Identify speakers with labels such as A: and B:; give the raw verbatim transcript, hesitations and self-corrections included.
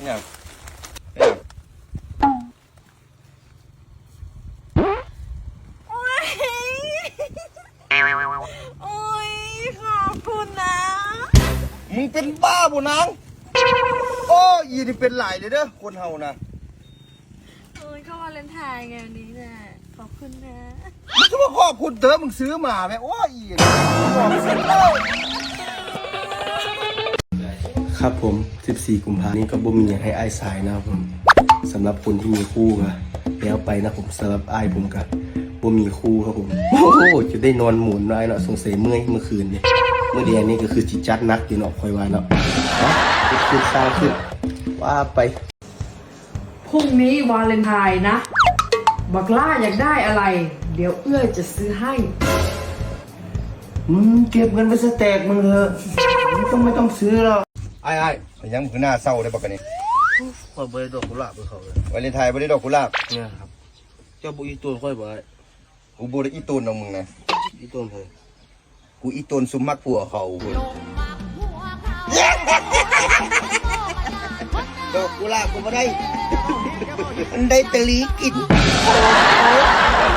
A: อย่างอย่าง
B: โอ้ยโอ้ยขอบคุณนะ
A: มึงเป็นบ้าบุนางโอ้ยนี่เป็นหลายเลยเด้อคนเฮานะ
B: โอ้ยก็วาเลนไทน์ไงวันนี้น่ะขอบคุณนะ
A: มึงจะมาขอบคุณเด้อมึงซื้อมาไหมโอ้ยบอกเสร็จแล้วครับผมสิบสี่กุมภาพันธ์นี้ก็บ่มีอย่างให้อ้ายสายนะครับผมสำหรับคนที่มีคู่ก็แล้วไปนะผมสำหรับอ้ายผมก็บ่มีคู่ครับผมโอ้โหจะได้นอนหมุนได้เนาะสงสัยเมื่อยเมื่อคืนเนี่ยเมื่อเดือนนี้ก็คือจิจัดนักอยู่เนาะคอยว่าเนาะเนาะขึ้นสร้างขึ้นว่าไป
C: พรุ่งนี้วาเลนไทน์นะ บักล่าอยากได้อะไร เดี๋ยวเอื้อยจะซื้อให้
A: มึงเก็บเงินไปสแต็กมึงเถอะมึงต้องไม่ต้องซื้อหรอกไอ้ไอ้ยังมึงหน้าเศร้าได้ปะกันนี่
D: ค่อยบ่ได้ดอกกุหลาบให้เขาเลยว
A: าเลนไทน์ไม่ได้ดอกกุหลาบ
D: เนี่ยครับเจ้าบุอีตูนค่อยบ่ได้
A: กูบูได้อีตูนของมึงนะ
D: อีตูนเพิ่น
A: กูอีตูนซุมมักผัวเขาคุณดอกกุหลาบกูไม่ได้ มันได้แตะลีกิน